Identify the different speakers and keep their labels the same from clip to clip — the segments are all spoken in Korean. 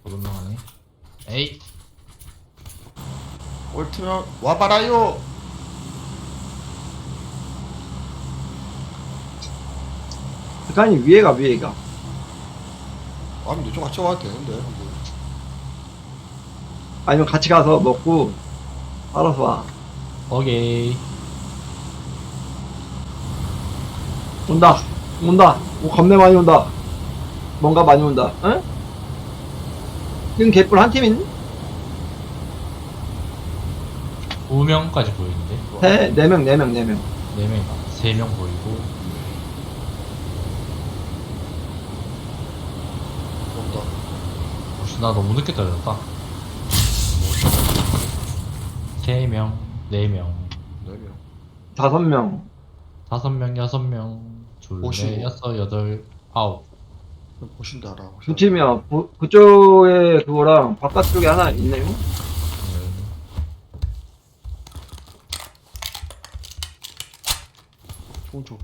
Speaker 1: 도둑놈하네. 에이.
Speaker 2: 옳트면 와봐라요.
Speaker 3: 아니 위에가 위에가.
Speaker 2: 아 근데 좀 같이 와도 되는데. 뭐.
Speaker 3: 아니면 같이 가서 먹고 알아서 와.
Speaker 1: 오케이.
Speaker 3: 온다. 온다. 오, 겁내 많이 온다. 뭔가 많이 온다. 응? 지금 개뿔 한 팀인?
Speaker 1: 2명까지 보이는데.
Speaker 3: 네 명, 4명, 4명.
Speaker 1: 4명이다. 3명 보이고.
Speaker 2: 온다.
Speaker 1: 혹시 나 너무 늦게 떨어졌다. 3명, 4명,
Speaker 2: 4명.
Speaker 3: 5명.
Speaker 1: 5명, 6명, 둘,
Speaker 2: 오십오.
Speaker 1: 넷, 여섯, 여덟, 아홉.
Speaker 2: 보신다 알아.
Speaker 3: 두 팀이야. 그쪽에 그거랑 바깥쪽에 하나 있네요.
Speaker 2: 총총.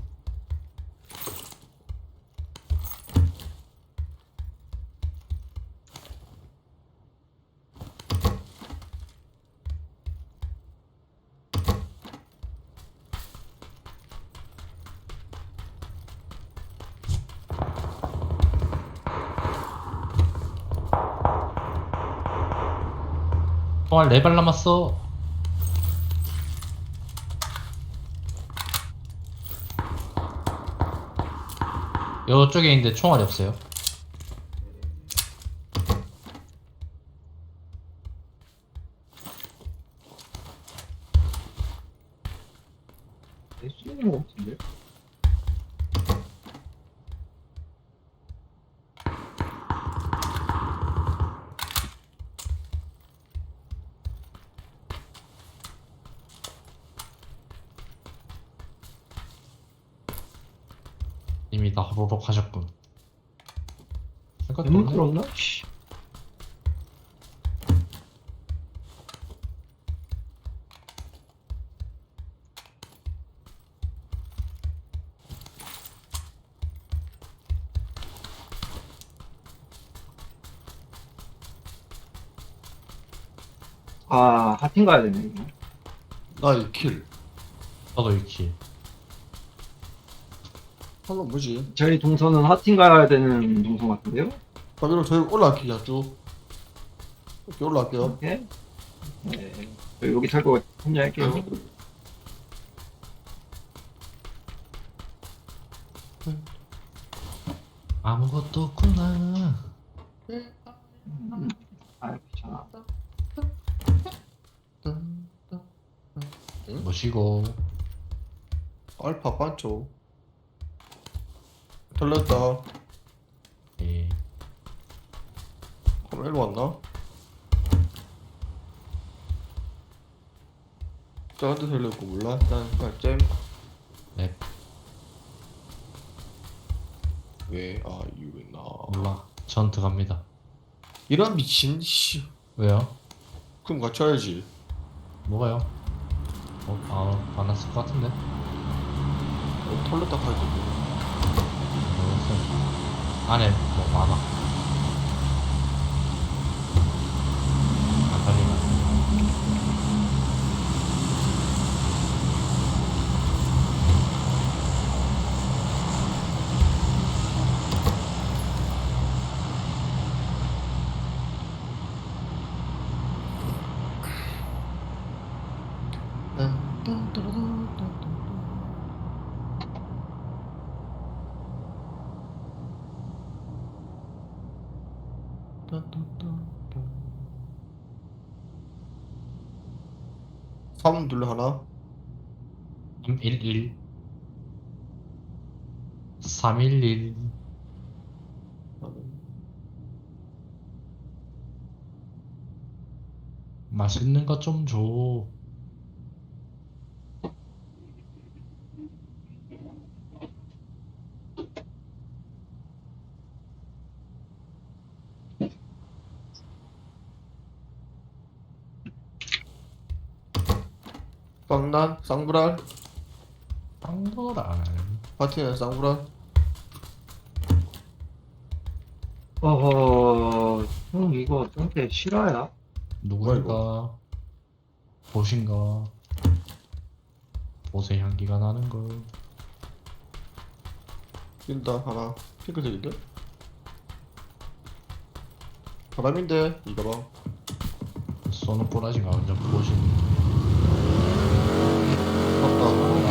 Speaker 1: 총알 4발 남았어. 이쪽에 있는데 총알이 없어요.
Speaker 3: 쓰는 거 같은데?
Speaker 1: 이미 다 호로록 하셨군.
Speaker 3: 대문 끌었나? 씨. 아, 하팀 가야 되네, 이거.
Speaker 2: 나 2킬.
Speaker 1: 저도 이키.
Speaker 2: 한번 뭐지?
Speaker 3: 저희 동선은 하팀 가야 되는 동선 같은데요?
Speaker 2: 그럼 여러분 저희 올라갈게요 쭉. 이렇게 올라갈게요.
Speaker 3: 오케이. 네. 저 여기 탈거 혼자할게요.
Speaker 1: 아무것도 없구나.
Speaker 3: 아, 귀찮아.
Speaker 1: 뭐시고.
Speaker 2: 알파 반초. 털렸다.
Speaker 1: 예.
Speaker 2: 그럼 일로 왔나? 저한테 털렸고 몰라. 일단 그냥 잼.
Speaker 1: 네.
Speaker 2: Where are you now?
Speaker 1: 몰라. 전 들어갑니다.
Speaker 2: 이런 미친 씨.
Speaker 1: 왜요?
Speaker 2: 그럼 같이 와야지.
Speaker 1: 뭐가요? 안 왔을 것 같은데?
Speaker 2: 털렸다 할 거.
Speaker 1: 모르겠어요. 안에 뭐 많아. 안 달리면.
Speaker 2: 삼 둘러 하나.
Speaker 1: 311 311 맛있는 거 좀 줘.
Speaker 2: 빵난 쌍불알.
Speaker 1: 빵도랄.
Speaker 2: 파티는 쌍불알.
Speaker 3: 어허, 형 이거 상태 실화야?
Speaker 1: 누구인가? 보신가? 보세 향기가 나는 걸.
Speaker 2: 뛴다 하나 핑크색인데? 바람인데 이거 봐.
Speaker 1: 쏘는 꼬라지가 완전 보신.
Speaker 2: 맞다.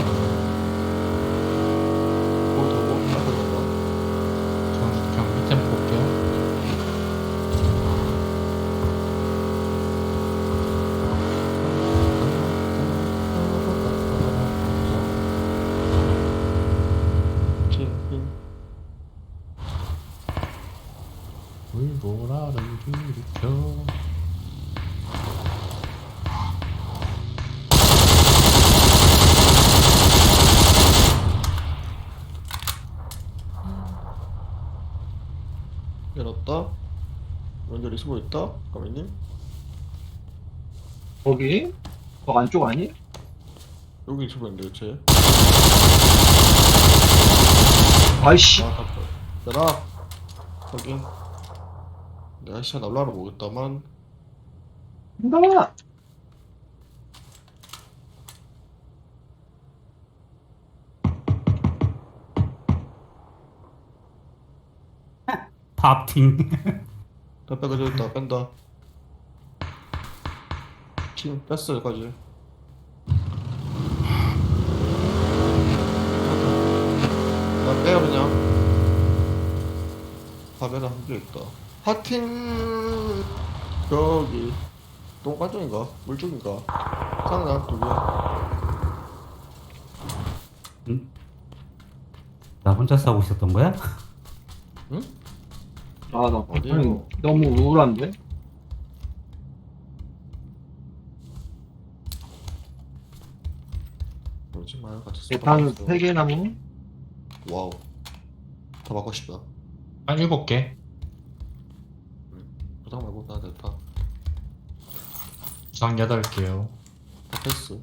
Speaker 2: 거기 타고 앞에 간다.
Speaker 1: 그냥 밑에 볼게요.
Speaker 2: 핑.
Speaker 1: 물보라를 일으켜.
Speaker 2: 열었다. 연결이 숨어 있다. 가만님.
Speaker 3: 거기? 거 안쪽 아니?
Speaker 2: 여기 숨어 있는데 쟤.
Speaker 3: 아이씨.
Speaker 2: 아, 갔다. 열아. 확인. 내가 시간 날라를 모르겠다만.
Speaker 3: 나와!
Speaker 4: 팝팅.
Speaker 2: 빼빼가 저기 있다. 뺀다. 팀 뺐어 여기까지. 나 빼요 그냥. 화면에 한개 있다. 하틴 저기 똥간 쪽인가? 물 쪽인가? 상난 두 개.
Speaker 4: 응? 나 혼자 싸우고 있었던 거야?
Speaker 2: 응?
Speaker 3: 아, 나
Speaker 2: 어디요?
Speaker 3: 아니, 너무 우울한데?
Speaker 2: 그러지 마요 같이.
Speaker 3: 대탄
Speaker 2: 쏟아봤어.
Speaker 3: 3개 남은?
Speaker 2: 와우. 더 받고 싶다.
Speaker 1: 한 7개.
Speaker 2: 부상 말고 나 대탄.
Speaker 1: 부상 8개요.
Speaker 2: 다 패스.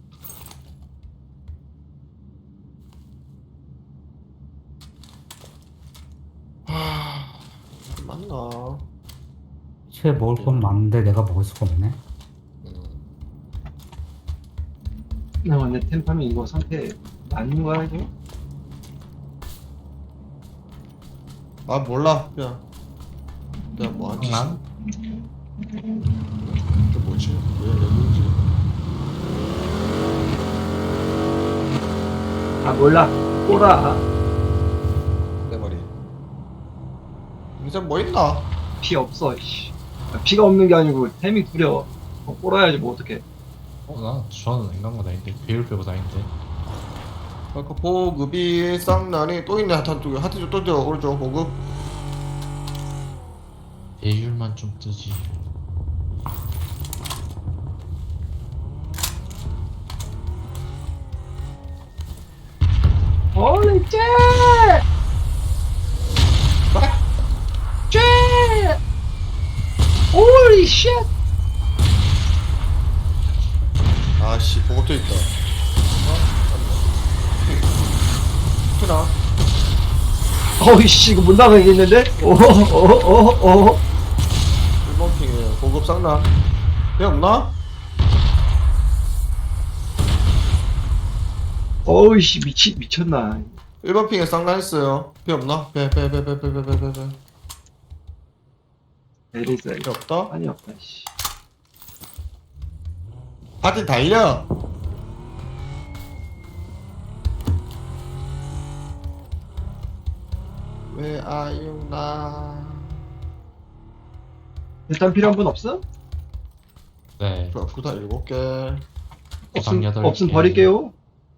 Speaker 2: 하... 맞나?
Speaker 4: 쟤 먹을 건 많은데 내가 먹을 수가 없네.
Speaker 3: 나 근데 템팜이 이거 상태 맞는 거야, 이거?
Speaker 2: 아 몰라 그냥 뭐한 짓이
Speaker 1: 난
Speaker 2: 그 뭐지? 왜 여기인지.
Speaker 3: 아, 몰라. 꼬라.
Speaker 2: 내 말이 인생 뭐 있나?
Speaker 3: 피 없어, 씨. 아, 피가 없는 게 아니고 템이 구려. 꼬라야지, 뭐, 어떡해.
Speaker 1: 저는 인간과 다닌데 배울 빼고 다닌데.
Speaker 2: 아까 보급이 쌍난이 또 있네. 하탄 쪽에 하트 쪽또 있어. 오른쪽 보급.
Speaker 1: 배율만 좀 뜨지.
Speaker 3: Holy shit! Shit! Holy shit!
Speaker 2: 아씨 보급도 있다. 하나
Speaker 3: 어이씨, 이거 못 나가겠는데? 오호호호호호.
Speaker 2: 1번 핑에 보급 쌍난. 배 없나?
Speaker 3: 어이씨, 미쳤나.
Speaker 2: 1번 핑에 쌍난 있어요. 배 없나? 배.
Speaker 3: 에리스.
Speaker 2: 배 없다?
Speaker 3: 아니, 없다, 씨.
Speaker 2: 하트 달려. 왜 아유나.
Speaker 3: 일단 필요한 분 없어?
Speaker 1: 네.
Speaker 2: 구다 7개.
Speaker 1: 부상 8개.
Speaker 3: 없음 버릴게요.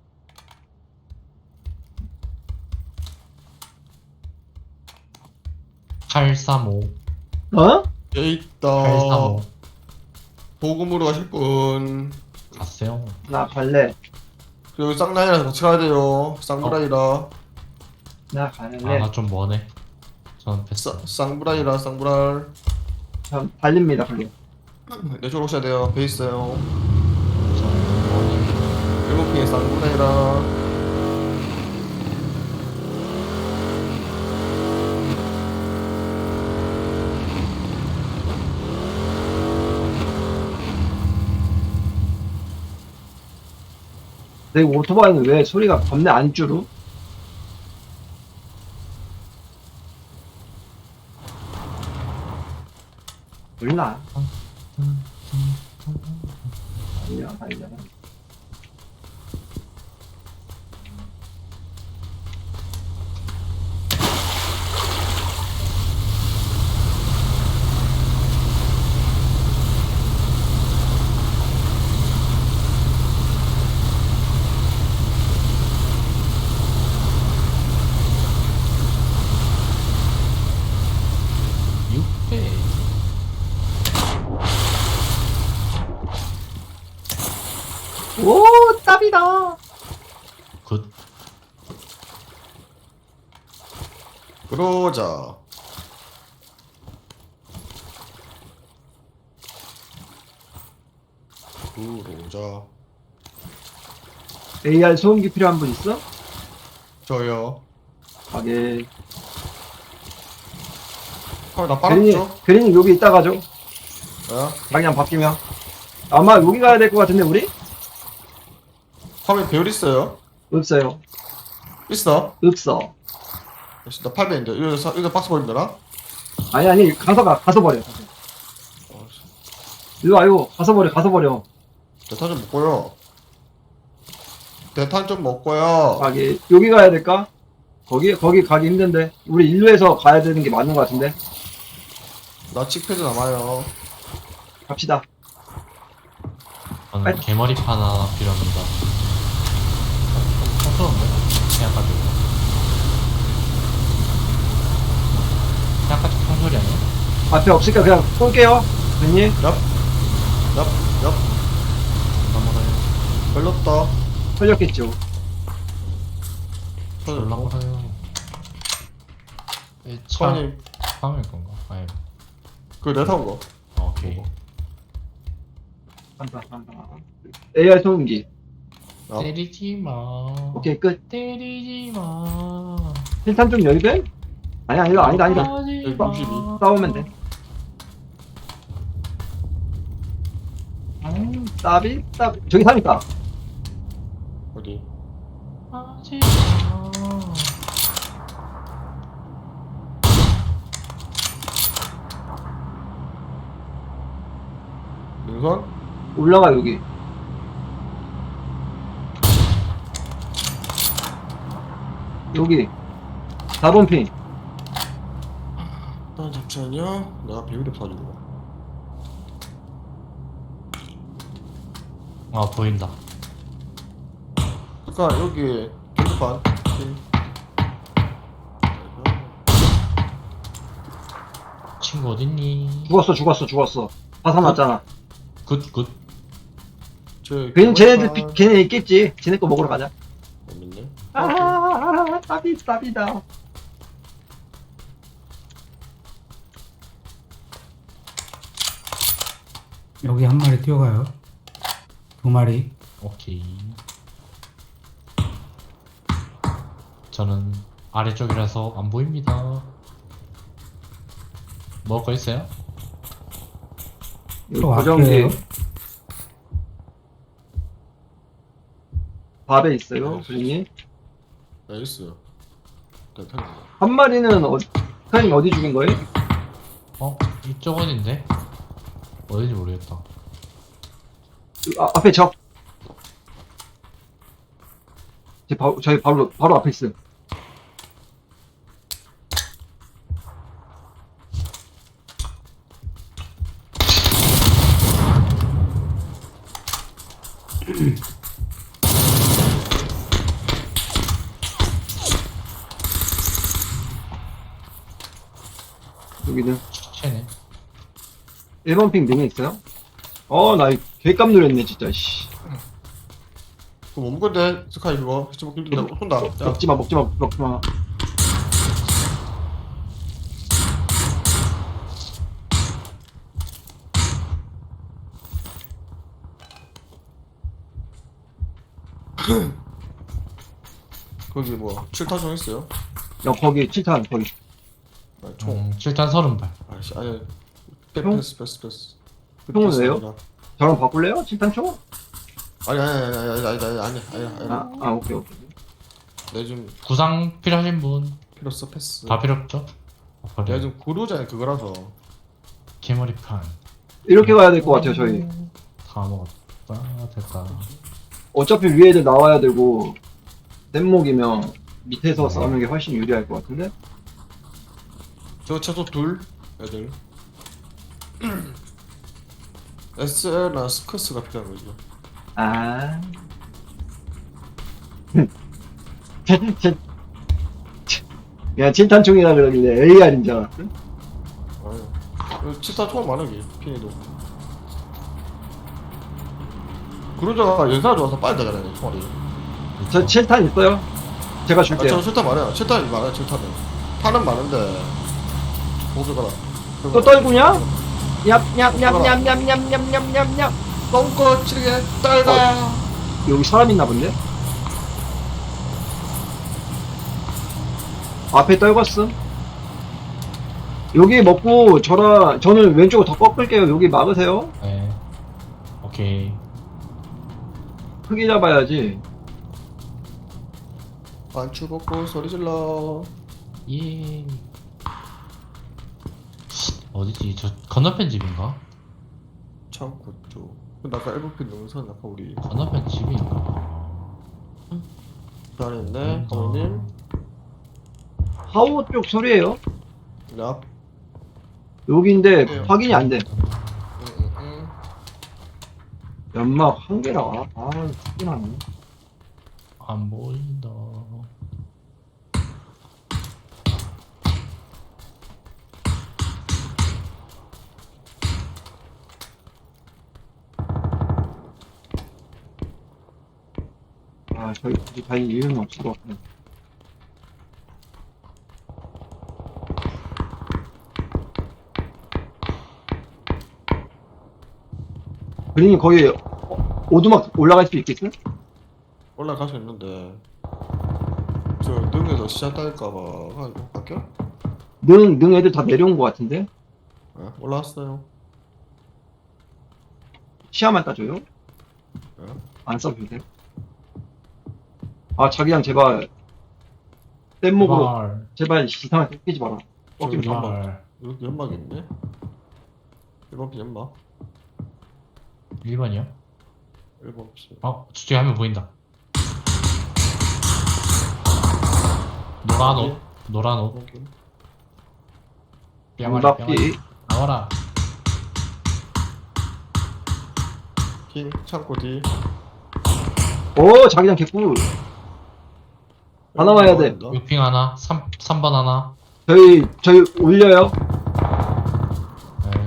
Speaker 1: (835)
Speaker 3: 어?
Speaker 2: 여기 있다.
Speaker 1: 835
Speaker 2: 보급으로 가실 분.
Speaker 1: 갔어요.
Speaker 3: 나 갈래.
Speaker 2: 그리고 쌍라이랑 같이 가야 돼요. 쌍브라이라.
Speaker 3: 나 갈래.
Speaker 1: 나 좀 머네. 저는 패스.
Speaker 2: 쌍브라이라 쌍브랄.
Speaker 3: 전 달립니다, 걸려.
Speaker 2: 내 쪽으로 오셔야 돼요. 배 있어요.
Speaker 1: 저는 머네.
Speaker 2: 7핑에 쌍브라이라.
Speaker 3: 대구 오토바이는 왜 소리가 겁내 안 줄어? 몰라. 아니야, 아니야.
Speaker 1: 육배.
Speaker 3: 오, 땀이다.
Speaker 1: 굿.
Speaker 2: 그러자. 그러자.
Speaker 3: AR 소음기 필요한 분 있어?
Speaker 2: 저요.
Speaker 3: 가게.
Speaker 2: 나
Speaker 3: 그린이,
Speaker 2: 빨았죠?
Speaker 3: 그린이 여기 있다 가죠.
Speaker 2: 어?
Speaker 3: 방향 바뀌면. 아마 여기 가야 될 것 같은데, 우리?
Speaker 2: 화면 배율 있어요?
Speaker 3: 없어요.
Speaker 2: 있어?
Speaker 3: 없어.
Speaker 2: 역시 나 800인데 여기서 박스 버리면 되나?
Speaker 3: 아니, 가서 버려. 일로 와요. 가서 버려.
Speaker 2: 대탄 좀 먹고요. 대탄 좀 먹고요.
Speaker 3: 가게. 여기 가야 될까? 거기 가기 힘든데. 우리 일루에서 가야 되는 게 맞는 것 같은데.
Speaker 2: 나 칙패드 남아요.
Speaker 3: 갑시다.
Speaker 1: 저는
Speaker 3: 빨리.
Speaker 1: 개머리판 하나 필요합니다. 촌스러운데? 생각가지고. 생각가지고 총소리 아니야?
Speaker 3: 앞에 없으니까 그냥 쏠게요. 그린이.
Speaker 2: 얍.
Speaker 1: 넘어가요.
Speaker 2: 걸렸다.
Speaker 3: 털렸겠죠.
Speaker 1: 올라가요. 차,
Speaker 2: 차원님,
Speaker 1: 파밍 건가? 아니,
Speaker 2: 그내 타온 거.
Speaker 1: 오케이.
Speaker 3: 간다. AR 소음기.
Speaker 2: 어.
Speaker 1: 때리지 마.
Speaker 3: 오케이, 끝.
Speaker 1: 때리지 마.
Speaker 3: 실탄 좀 열배? 아니다.
Speaker 1: 하지 마.
Speaker 2: 62.
Speaker 3: 싸우면 돼. 따비. 저기 사니까.
Speaker 2: 어디?
Speaker 1: 하지 마.
Speaker 2: 능선?
Speaker 3: 올라가, 여기. 여기. 4번 핑.
Speaker 2: 일단 잠시만요. 내가 배율이 없어가지고.
Speaker 1: 아, 보인다.
Speaker 2: 그니까 여기 경판.
Speaker 1: 친구 어딨니?
Speaker 3: 죽었어. 화산 났잖아.
Speaker 1: 굿.
Speaker 3: 걔는 걔네 있겠지. 쟤네 거 먹으러 가자.
Speaker 2: 없는데?
Speaker 3: 따비다.
Speaker 5: 여기 한 마리 뛰어가요. 두 마리.
Speaker 1: 오케이. 저는 아래쪽이라서 안 보입니다. 먹을 거 있어요?
Speaker 3: 여기
Speaker 5: 또
Speaker 3: 고정기.
Speaker 5: 앞에요.
Speaker 3: 밥에 있어요, 그린이.
Speaker 2: 나이스. 대탄.
Speaker 3: 한 마리는 사장님 어디 죽인 거예요?
Speaker 1: 이쪽 어딘데? 어딘지 모르겠다.
Speaker 3: 앞에 적. 저희 바로 앞에 있어요. 여기는
Speaker 1: 쟤네.
Speaker 3: 1번 핑 등에 있어요? 나 개깜 놀랐네 진짜. 씨.
Speaker 2: 그거 못 먹건데 스카이 그거 시체 먹기 힘들다. 혼다. 자,
Speaker 3: 먹지마.
Speaker 2: 거기 뭐 7타종 있어요?
Speaker 3: 거기 7탄 거기.
Speaker 2: 아, 총.
Speaker 1: 7탄 30발.
Speaker 2: 아씨 아니.
Speaker 3: 총?
Speaker 2: 패스.
Speaker 3: 총은 왜요? 저랑 바꿀래요? 7탄 총?
Speaker 2: 아니.
Speaker 3: 오케이.
Speaker 2: 내 지금
Speaker 1: 구상 필요하신 분?
Speaker 2: 필요 없어 패스.
Speaker 1: 다 필요 없죠?
Speaker 2: 내가
Speaker 1: 그래.
Speaker 2: 지금 구루자에 그거라서.
Speaker 1: 개머리판.
Speaker 3: 이렇게 가야 될 것 같아요, 저희.
Speaker 1: 다 먹었다. 됐다.
Speaker 3: 어차피 위에 애들 나와야 되고, 뗏목이면 밑에서 싸우는 게 훨씬 유리할 것 같은데?
Speaker 2: 저 최소 둘 애들. SL나 스커스가 필요한 거죠.
Speaker 3: 아. 야, 칠탄총이라 그러길래 AR인 줄 알았어?
Speaker 2: 아유. 치타 총 많으기 피니도. 구루자가 연사가 좋아서 빨리 나가네 총알이.
Speaker 3: 저 칠탄 있어요? 제가
Speaker 2: 아,
Speaker 3: 줄게요.
Speaker 2: 저 칠탄 많아요. 칠탄이 많아요. 칠탄은. 탄은 많은데. 보드가라.
Speaker 3: 또 떨구냐? 얍얍얍얍얍얍얍얍.
Speaker 2: 똥꼬 치르게 떨다.
Speaker 3: 여기 사람 있나 본데? 앞에 떨궜음. 여기 먹고 저는 왼쪽으로 더 꺾을게요. 여기 막으세요.
Speaker 1: 네. 오케이.
Speaker 3: 크게 잡아야지.
Speaker 2: 반추 벗고 소리 질러.
Speaker 1: 예. 어디지? 저 건너편 집인가?
Speaker 2: 창고 쪽. 근데 아까 1번핀 능선 아까 우리
Speaker 1: 건너편 집인가?
Speaker 2: 그 안에 있네. 어머님.
Speaker 3: 하우 쪽 소리예요.
Speaker 2: 랍.
Speaker 3: 여기인데
Speaker 2: 네.
Speaker 3: 확인이 안 돼.
Speaker 2: 응.
Speaker 3: 연막 한 개라. 크긴 하네.
Speaker 1: 안 보인다.
Speaker 3: 저희 굳이 다닐 이유는 없을 것 같네. 그린이 거기 오두막 올라갈 수 있겠어?
Speaker 2: 올라갈 수 있는데 저 능에서 시야 딸까봐 가지고 갈게요.
Speaker 3: 능 애들 다 내려온 것 같은데?
Speaker 2: 네, 올라왔어요.
Speaker 3: 시야만 따줘요?
Speaker 2: 네.
Speaker 3: 안 써도 돼? 자기랑 제발 뗏목으로 제발 이상하게 꺾이지 마라. 꺾이면
Speaker 2: 저기
Speaker 3: 봐.
Speaker 1: 제발.
Speaker 2: 여기 연막이 있네. 1번핀 연막.
Speaker 1: 1번이요?
Speaker 2: 1번핀.
Speaker 1: 저쪽에 한 명 보인다. 노란 옷. 노란 옷. 뺨아리, 뺨아리.
Speaker 3: 문박기.
Speaker 1: 나와라.
Speaker 2: 킹 창고 뒤.
Speaker 3: 오 자기장 개꿀. 다 나와야 돼.
Speaker 1: 6핑 하나. 3번 하나.
Speaker 3: 저희 올려요.
Speaker 1: 네.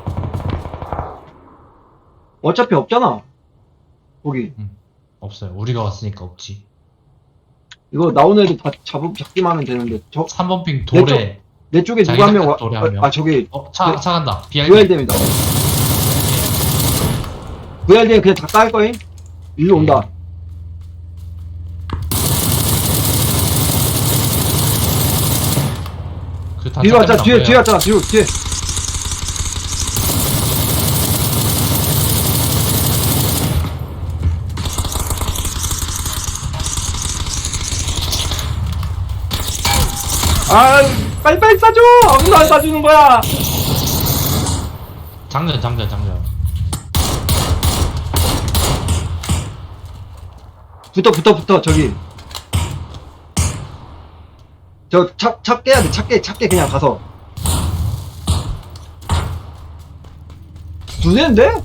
Speaker 3: 어차피 없잖아. 거기
Speaker 1: 없어요. 우리가 왔으니까 없지.
Speaker 3: 이거 나오는 애들 다 잡기만 하면 되는데
Speaker 1: 3번 핑 돌에.
Speaker 3: 내 쪽에 누가
Speaker 1: 자기장
Speaker 3: 한 명 와.
Speaker 1: 돌에 한 명.
Speaker 3: 저기
Speaker 1: 차 간다. BRD.
Speaker 3: VRD입니다. VRD는 그냥 다 깔 거임. 일로 온다.
Speaker 1: 그
Speaker 3: 뒤로 왔잖아. 뒤에 왔잖아. 뒤에. 빨리빨리 싸줘! 아무도 안 싸주는 거야!
Speaker 1: 장전.
Speaker 3: 붙어, 저기. 차 깨야 돼, 차 깨, 그냥 가서. 두 대인데?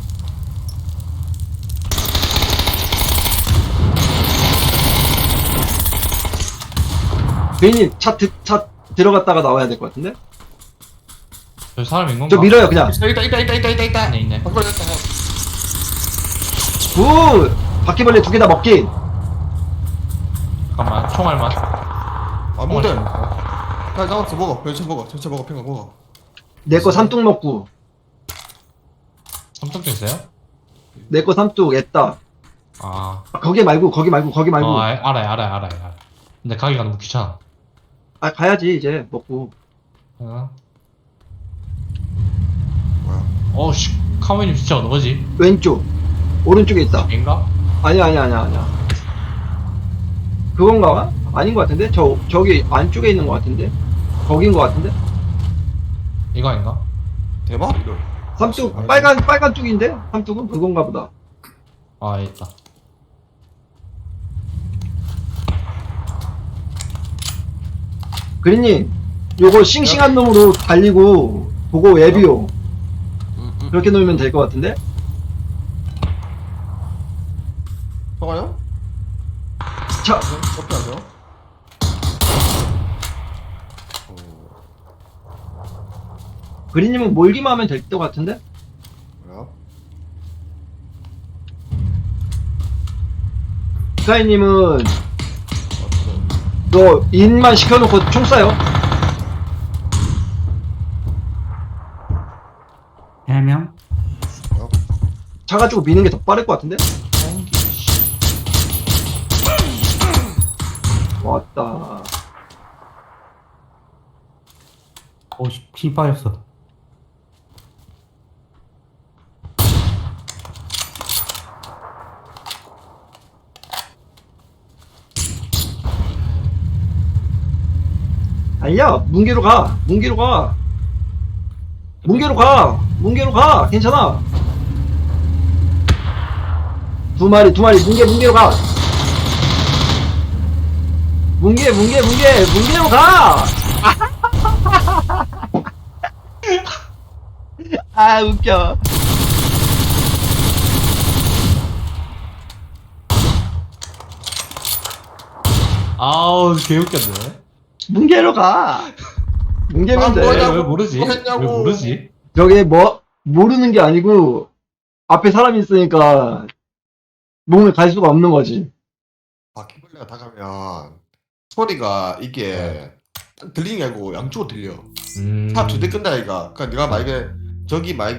Speaker 3: 괜히 차 들어갔다가 나와야 될 것 같은데?
Speaker 1: 저 사람 있는 건가?
Speaker 3: 저 밀어요, 그냥.
Speaker 2: 있다.
Speaker 1: 있네.
Speaker 2: 바꿔 됐다.
Speaker 3: 굿! 바퀴벌레 두 개 다 먹기.
Speaker 1: 잠깐만. 총알만.
Speaker 2: 아무데. 야 나왔어 먹어. 전체 먹어. 핑거 먹어.
Speaker 3: 내 거 삼뚝 먹고.
Speaker 1: 삼성도 있어요?
Speaker 3: 내 거 삼뚝 했다. 거기 말고.
Speaker 1: 알아요. 근데 가기가 너무 귀찮아.
Speaker 3: 가야지, 이제, 먹고.
Speaker 2: 뭐야?
Speaker 1: 어우씨, 카모님 진짜 어느 거지?
Speaker 3: 왼쪽. 오른쪽에 있다.
Speaker 1: 인가?
Speaker 3: 아니야. 그건가? 아닌 것 같은데? 저기 안쪽에 있는 것 같은데? 거긴 것 같은데?
Speaker 1: 이거 아닌가?
Speaker 2: 대박 이거.
Speaker 3: 삼뚝, 빨간 쪽인데? 삼뚝은 그건가 보다.
Speaker 1: 아 여기 있다.
Speaker 3: 그린님, 요거 싱싱한 놈으로 달리고, 보고 앱이요. 그렇게 놓으면 될 것 같은데?
Speaker 2: 저거요?
Speaker 3: 자,
Speaker 2: 어떻게 하죠?
Speaker 3: 그린님은 몰기만 하면 될 것 같은데?
Speaker 2: 뭐야?
Speaker 3: 스카이님은,
Speaker 2: 어떻게?
Speaker 3: 너 인만 시켜놓고 총 쏴요.
Speaker 5: 해명?
Speaker 3: 차 가지고 미는 게 더 빠를 것 같은데? 왔다.
Speaker 5: 오씨, 피 빠졌어.
Speaker 3: 아니야, 문계로 가. 문계로 가. 괜찮아. 두 마리, 문계로 가. 문계로 가! 아, 웃겨.
Speaker 1: 아우 개웃겼네.
Speaker 3: 문계로 가. 문계면
Speaker 2: 아,
Speaker 3: 돼.
Speaker 2: 뭐야?
Speaker 1: 왜 모르지?
Speaker 2: 뭐 했냐고.
Speaker 1: 왜 모르지?
Speaker 3: 저게 모르는 게 아니고, 앞에 사람이 있으니까, 몸을 갈 수가 없는 거지.
Speaker 2: 바퀴벌레가 다가면 소리가 이게 들리는 게 아니고 양쪽으로 들려. 차 두 대 끈다 이가. 그러니까 네가 만약에 저기 만약에